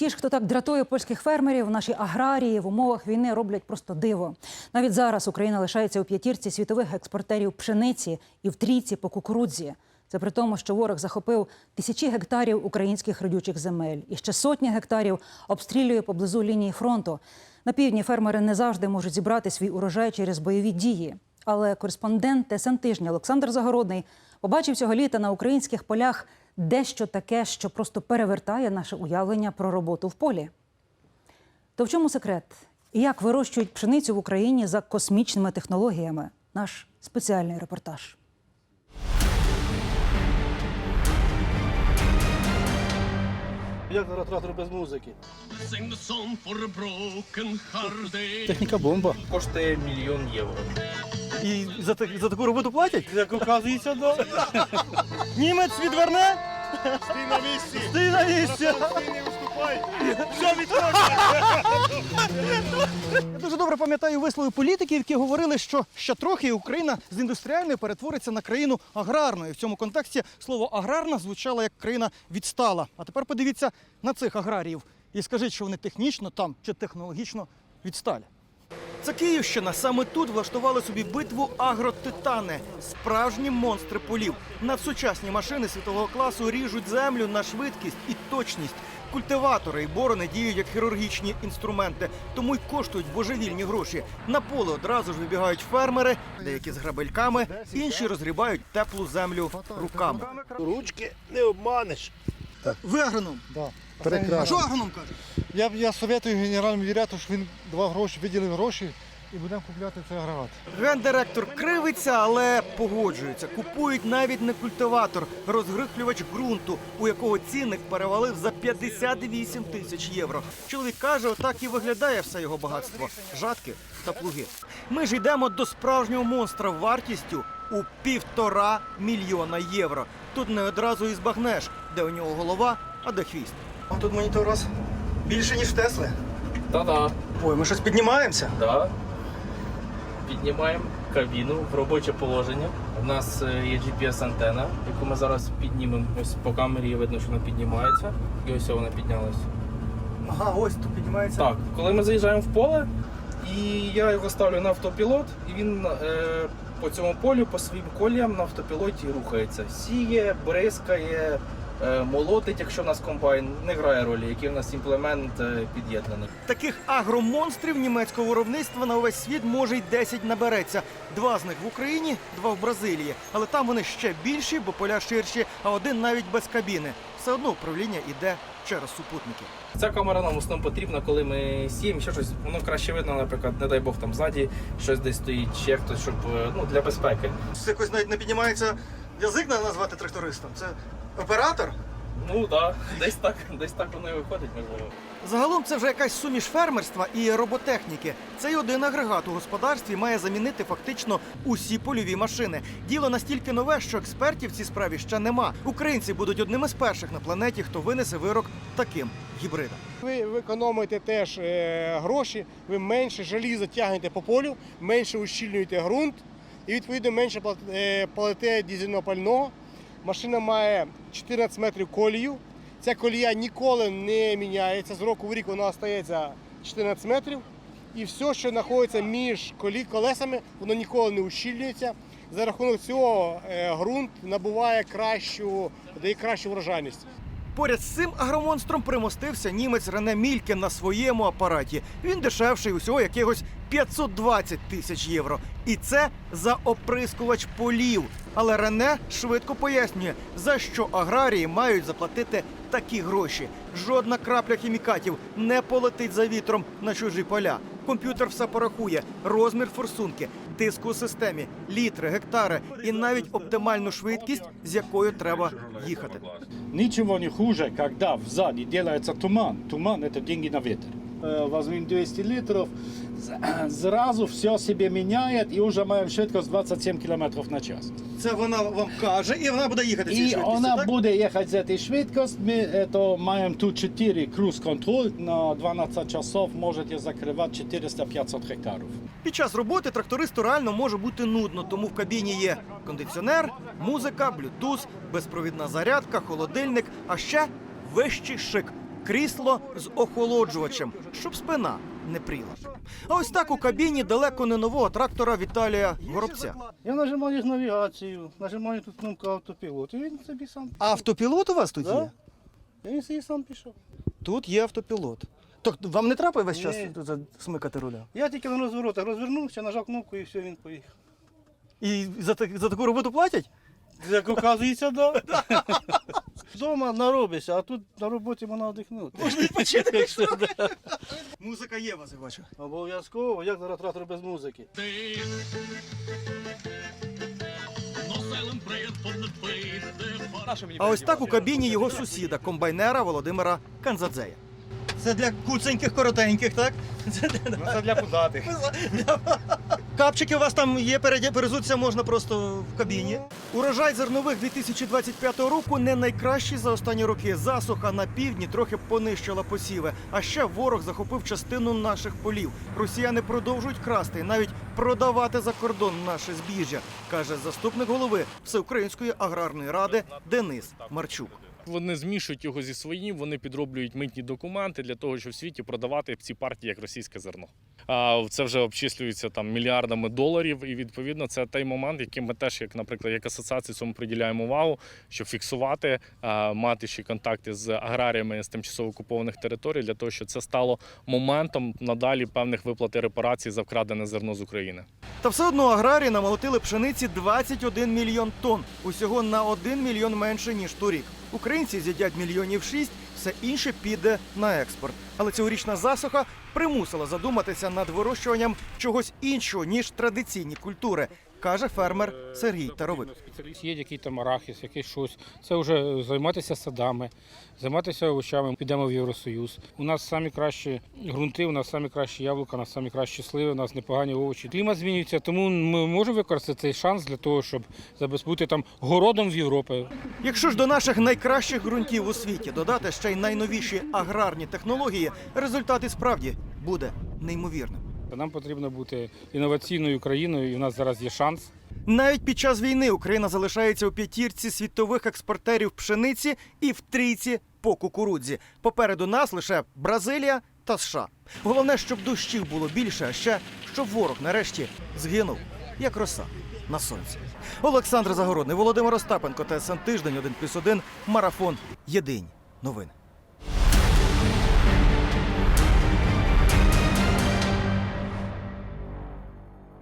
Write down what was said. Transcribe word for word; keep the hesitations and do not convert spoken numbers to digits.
Ті ж, хто так дратує польських фермерів, наші аграрії в умовах війни роблять просто диво. Навіть зараз Україна лишається у п'ятірці світових експортерів пшениці і в трійці по кукурудзі. Це при тому, що ворог захопив тисячі гектарів українських родючих земель і ще сотні гектарів обстрілює поблизу лінії фронту. На півдні фермери не завжди можуть зібрати свій урожай через бойові дії. Але кореспондент Т С Н Тижня Олександр Загородний побачив цього літа на українських полях дещо таке, що просто перевертає наше уявлення про роботу в полі. То в чому секрет? І як вирощують пшеницю в Україні за космічними технологіями? Наш спеціальний репортаж. Як зараз трактор без музики? Техніка бомба. Коштує мільйон євро. І за, так, за таку роботу платять? Як оказується, да. Німець відверне? Стій на місці! Стій на місці! Стій, не виступай! Все відходить! Я дуже добре пам'ятаю вислови політиків, які говорили, що ще трохи і Україна з індустріальної перетвориться на країну аграрну. І в цьому контексті слово «аграрна» звучало як країна відстала. А тепер подивіться на цих аграріїв і скажіть, що вони технічно там чи технологічно відсталі. Це Київщина. Саме тут влаштували собі битву агротитани. Справжні монстри полів. Надсучасні машини світового класу ріжуть землю на швидкість і точність. Культиватори і борони діють як хірургічні інструменти, тому й коштують божевільні гроші. На поле одразу ж вибігають фермери, деякі з грабельками, інші розгрібають теплу землю руками. Ручки не обманеш. Ви агроном? Да. А Прекрасно. що агроном каже? Я, я советую генеральному директору, щоб він давав гроші, виділив гроші і будемо купляти цей агрегат. Гендиректор кривиться, але погоджується. Купують навіть не культиватор, розгрихлювач ґрунту, у якого цінник перевалив за п'ятдесят вісім тисяч євро. Чоловік каже, отак і виглядає все його багатство – жатки та плуги. Ми ж йдемо до справжнього монстра вартістю у півтора мільйона євро. Тут не одразу і збагнеш, де у нього голова, а де хвіст. А тут монітор у вас більше, ніж в Тесли. Та-да, Ой, ми щось піднімаємося. да. Піднімаємо кабіну в робоче положення. У нас е, є джі пі ес-антена, яку ми зараз піднімемо. Ось по камері видно, що вона піднімається. І ось вона піднялась. Ага, ось тут піднімається. Так, коли ми заїжджаємо в поле, і я його ставлю на автопілот, і він е, по цьому полю, по своїм коліям на автопілоті рухається. Сіє, бризкає, е, молотить, якщо в нас комбайн, не грає ролі, який в нас імплемент е, під'єднаний. Таких агромонстрів німецького виробництва на увесь світ може й десять набереться. Два з них в Україні, два в Бразилії. Але там вони ще більші, бо поля ширші, а один навіть без кабіни. Все одно управління йде через супутники. Ця камера нам в основному потрібна, коли ми сіємо, ще щось, воно краще видно, наприклад, не дай Бог, там ззаді щось десь стоїть, ще хтось, щоб, ну, для безпеки. Це якось навіть не піднімається язик назвати трактористом. Це оператор? Ну, так, да, десь так, десь так воно і виходить, можливо. Загалом це вже якась суміш фермерства і роботехніки. Цей один агрегат у господарстві має замінити фактично усі польові машини. Діло настільки нове, що експертів в цій справі ще нема. Українці будуть одними з перших на планеті, хто винесе вирок таким гібридам. Ви, ви економите теж е, гроші, ви менше желіза тягнете по полю, менше ущільнюєте ґрунт і, відповідно, менше плат- е, платите дизельного пального. Машина має чотирнадцять метрів колію. Ця колія ніколи не міняється. З року в рік вона залишається чотирнадцять метрів. І все, що знаходиться між колі, колесами, воно ніколи не ущільнюється. За рахунок цього е, ґрунт набуває кращу, дає кращу врожайність. Поряд з цим агромонстром примостився німець Рене Мільке на своєму апараті. Він дешевший усього якихось п'ятсот двадцять тисяч євро. І це за оприскувач полів. Але Рене швидко пояснює, за що аграрії мають заплатити такі гроші. Жодна крапля хімікатів не полетить за вітром на чужі поля. Комп'ютер все порахує. Розмір форсунки, тиск у системі, літри, гектари і навіть оптимальну швидкість, з якою треба їхати. Ничего не хуже, когда сзади делается туман. Туман – это деньги на ветер. Возьмем двести литров, сразу все себе меняет, и уже маем швидкость двадцять сім кілометрів на час. Це вона вам каже, і вона буде їхати цією И швидкістю, она так? будет ехать с этой швидкостью. Мы это, маем тут четыре круз-контроль. На дванадцять часов можете закрывать четыреста-пятьсот гектарів. Під час роботи трактористу реально може бути нудно, тому в кабіні є кондиціонер, музика, блютуз, безпровідна зарядка, холодильник, а ще вищий шик. крісло з охолоджувачем, щоб спина не пріла. А ось так у кабіні далеко не нового трактора Віталія Горобця. Я нажимаю навігацію, нажимаю тут кнопку автопілот, і він собі сам. Автопілот у вас тут Да. є? І він собі сам пішов. Тут є автопілот. Так вам не треба весь час Ні. тут смикати руля? Я тільки на розворотах розвернувся, нажав кнопку і все, він поїхав. І за, так- за таку роботу платять? Як оказується, да. Вдома наробишся, а тут на роботі можна віддихнути. Можна відпочити. Музика є у вас, я бачу. Обов'язково, як зараз трактор без музики. А ось так у кабіні його сусіда, комбайнера Володимира Канзадзея. Це для куценьких, коротеньких, так? Це для пузатих. Капчики у вас там є, переді- перезуться можна просто в кабіні. Урожай зернових дві тисячі двадцять п'ятого року не найкращий за останні роки. Засуха на півдні трохи понищила посіви. А ще ворог захопив частину наших полів. Росіяни продовжують красти і навіть продавати за кордон наше збіжжя, каже заступник голови Всеукраїнської аграрної ради Денис Марчук. Вони змішують його зі своїм, вони підроблюють митні документи для того, щоб в світі продавати ці партії як російське зерно. А це вже обчислюється там мільярдами доларів, і відповідно це той момент, яким ми теж, як, наприклад, як асоціація, цьому приділяємо увагу, щоб фіксувати, мати ще контакти з аграріями з тимчасово окупованих територій, для того, щоб це стало моментом надалі певних виплат і репарацій за вкрадене зерно з України. Та все одно аграрії намолотили пшениці двадцять один мільйон тонн. Усього на один мільйон менше, ніж торік. Українці з'їдять мільйонів шість, все інше піде на експорт. Але цьогорічна засуха примусила задуматися над вирощуванням чогось іншого, ніж традиційні культури, каже фермер Сергій Таровик. Є який там арахіс, якийсь щось. Це вже займатися садами, займатися овочами. Підемо в Євросоюз. У нас самі кращі ґрунти, у нас самі кращі яблука, у нас самі кращі сливи, у нас непогані овочі. Клімат змінюється, тому ми можемо використати цей шанс для того, щоб бути там городом в Європі. Якщо ж до наших найкращих ґрунтів у світі додати ще й найновіші аграрні технології, результат і справді буде неймовірним. Нам потрібно бути інноваційною країною, і у нас зараз є шанс. Навіть під час війни Україна залишається у п'ятірці світових експортерів пшениці і в трійці по кукурудзі. Попереду нас лише Бразилія та США. Головне, щоб дощів було більше, а ще щоб ворог нарешті згинув, як роса на сонці. Олександр Загородний, Володимир Остапенко, ТСН Тиждень, один плюс один, Марафон. Єдині новини.